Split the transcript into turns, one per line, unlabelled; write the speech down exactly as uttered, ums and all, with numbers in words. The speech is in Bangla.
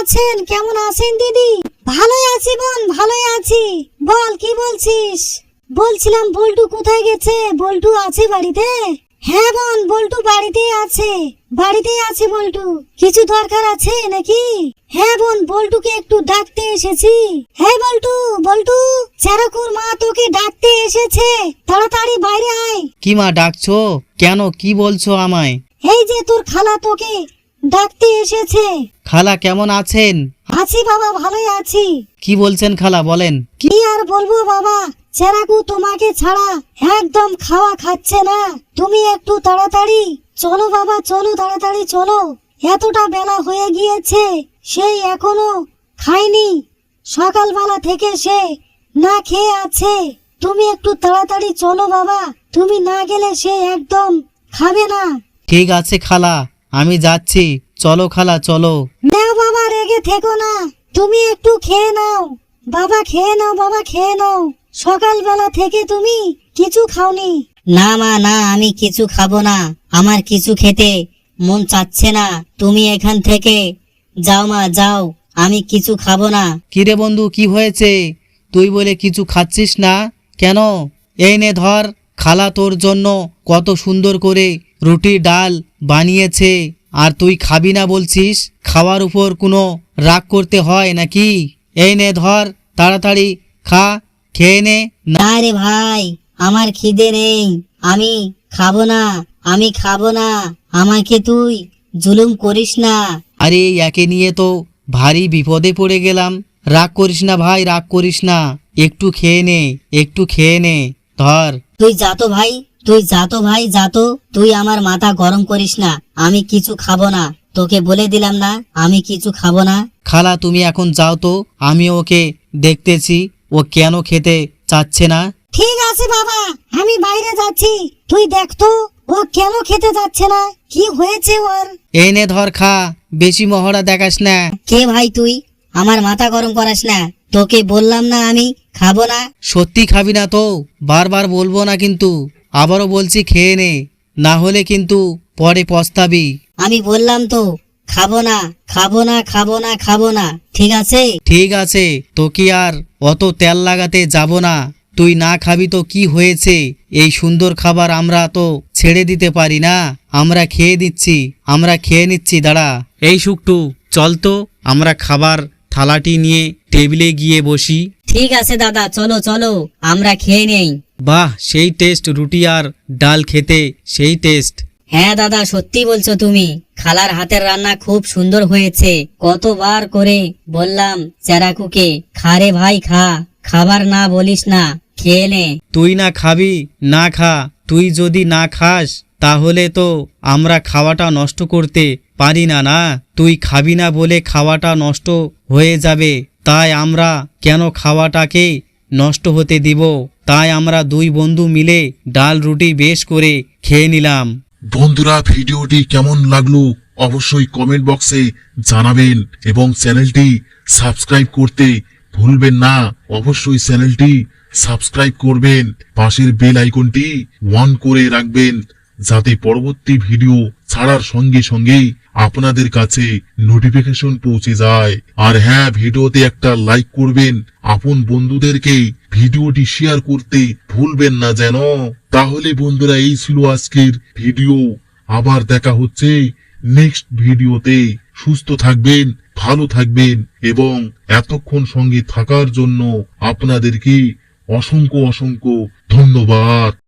আছেন? কেমন আছেন দিদি? ভালোই আছি বোন, ভালোই আছি। বল কি বলছিস? বলছিলাম বল্টু কোথায় গেছে? বল্টু আছে বাড়িতে? হ্যাঁ বোন, বল্টু বাড়িতেই আছে, বাড়িতেই আছে বল্টু। কিছু দরকার আছে নাকি? হ্যাঁ বোন, বল্টুকে একটু ডাকতে এসেছি। হ্যাঁ বল্টু, বল্টু, চেরাকুর মা তোকে ডাকতে এসেছে, তাড়াতাড়ি বাইরে আয়।
কি মা ডাকছো? কেন, কি বলছো আমায়?
এই যে তোর খালা তোকে ডাকতে এসেছে।
খালা কেমন আছেন?
আছি বাবা, ভালোই আছি।
কি বলছেন খালা, বলেন।
কি আর বলবো বাবা, চেরাকু তোমাকে ছাড়া একদম খাওয়া খাচ্ছে না। তুমি একটু তাড়াতাড়ি চলো বাবা, চলো তাড়াতাড়ি চলো। এতটা বেলা হয়ে গিয়েছে, সেই এখনো খায়নি। সকালবেলা থেকে সে না খেয়ে আছে। তুমি একটু তাড়াতাড়ি চলো বাবা, তুমি না গেলে সে একদম খাবে না।
ঠিক আছে খালা, আমি যাচ্ছি। চলো খালা, চলো।
না বাবা, রেগে থেকো না, তুমি একটু খেয়ে নাও বাবা, খেয়ে নাও বাবা, খেয়ে নাও। সকালবেলা থেকে তুমি কিছু খাওনি।
না মা, না, আমি কিছু খাবো না। আমার কিছু খেতে মন চাচ্ছে না। তুমি এখান থেকে যাও মা, যাও, আমি কিছু খাবো না।
কিরে বন্ধু, কি হয়েছে? তুই বলে কিছু খাচ্ছিস না কেন? এই নে ধর, খালা তোর জন্য কত সুন্দর করে রুটি ডাল বানিয়েছে, আর তুই খাবি না বলছিস? খাওয়ার উপর কোনো রাগ করতে হয় নাকি? এই নে ধর, তাড়াতাড়ি খা, খেয়ে নে।
না রে ভাই, আমার খিদে নেই, আমি খাবো না, আমি খাবো না। আমাকে তুই জুলুম করিস না।
আরে একে নিয়ে তো ভারী বিপদে পড়ে গেলাম। রাগ করিস না ভাই, রাগ করিস না, একটু খেয়ে নে, একটু খেয়ে নে, ধর।
তুই যাতো ভাই, তুই যাতো ভাই, যাতো। তুই আমার মাথা গরম করিস না, আমি কিছু খাবো না। তোকে বলে দিলাম না, আমি কিছু খাবো না।
খালা তুমি এখন যাও তো, আমি ওকে দেখতেছি ও কেন খেতে চাচ্ছে না।
ঠিক আছে বাবা, আমি বাইরে যাচ্ছি, তুই দেখ তো ও কেন খেতে যাচ্ছে না, কি হয়েছে ওর।
এই নে ধর, খা, বেশি মহড়া দেখাস না।
কে ভাই তুই? আমার মাথা গরম করাস না, তোকে বললাম না আমি খাবো না।
সত্যি খাবি না তো? বারবার বলবো না কিন্তু, আবারও বলছি খেয়ে নে, না হলে কিন্তু পরে পস্তাবি।
আমি বললাম তো খাবো না, খাবো না, খাবো না, খাবো না, ঠিক আছে?
ঠিক আছে, তোকে আর অত তেল লাগাতে যাব না। তুই না খাবি তো কি হয়েছে? এই সুন্দর খাবার আমরা তো ছেড়ে দিতে পারি না। আমরা খেয়ে দিচ্ছি, আমরা খেয়ে নিচ্ছি। দাঁড়া, এই শুকটু, চল তো আমরা খাবার থালাটি নিয়ে টেবিলে গিয়ে বসি।
ঠিক আছে দাদা, চলো চলো, আমরা খেয়ে নেই।
বাহ, সেই টেস্ট, রুটি আর ডাল খেতে সেই টেস্ট।
হ্যাঁ দাদা, সত্যি বলছো তুমি। খালার হাতের রান্না খুব সুন্দর হয়েছে। কতবার করে বললাম চেরাকুকে, খা রে ভাই খা, খাবার না বলিস না, খেয়ে নে।
তুই না খাবি, না খা। তুই যদি না খাস তাহলে তো আমরা খাওয়াটা নষ্ট করতে পারি না। না, তুই খাবি না বলে খাওয়াটা নষ্ট হয়ে যাবে, তাই আমরা কেন খাওয়াটাকে নষ্ট হতে দিব? তাই আমরা দুই বন্ধু মিলে ডাল রুটি বেশ করে খেয়ে নিলাম।
বন্ধুরা, ভিডিওটি কেমন লাগলো অবশ্যই কমেন্ট বক্সে জানাবেন এবং চ্যানেলটি সাবস্ক্রাইব করতে ভুলবেন না। অবশ্যই চ্যানেলটি সাবস্ক্রাইব করবেন, পাশের বেল আইকনটি অন করে রাখবেন, যাতে পরবর্তী ভিডিও ছাড়ার সঙ্গে সঙ্গেই আপনাদের কাছে নোটিফিকেশন পৌঁছে যায়। আর হ্যাঁ, ভিডিওতে একটা লাইক করবেন, আপন বন্ধুদেরকে ভিডিওটি শেয়ার করতে ভুলবেন না যেন। তাহলে বন্ধুরা, এই ছিল আজকের ভিডিও। আবার দেখা হচ্ছে নেক্সট ভিডিওতে। সুস্থ থাকবেন, ভালো থাকবেন এবং এতক্ষণ সঙ্গে থাকার জন্য আপনাদেরকে অসংখ্য অসংখ্য ধন্যবাদ।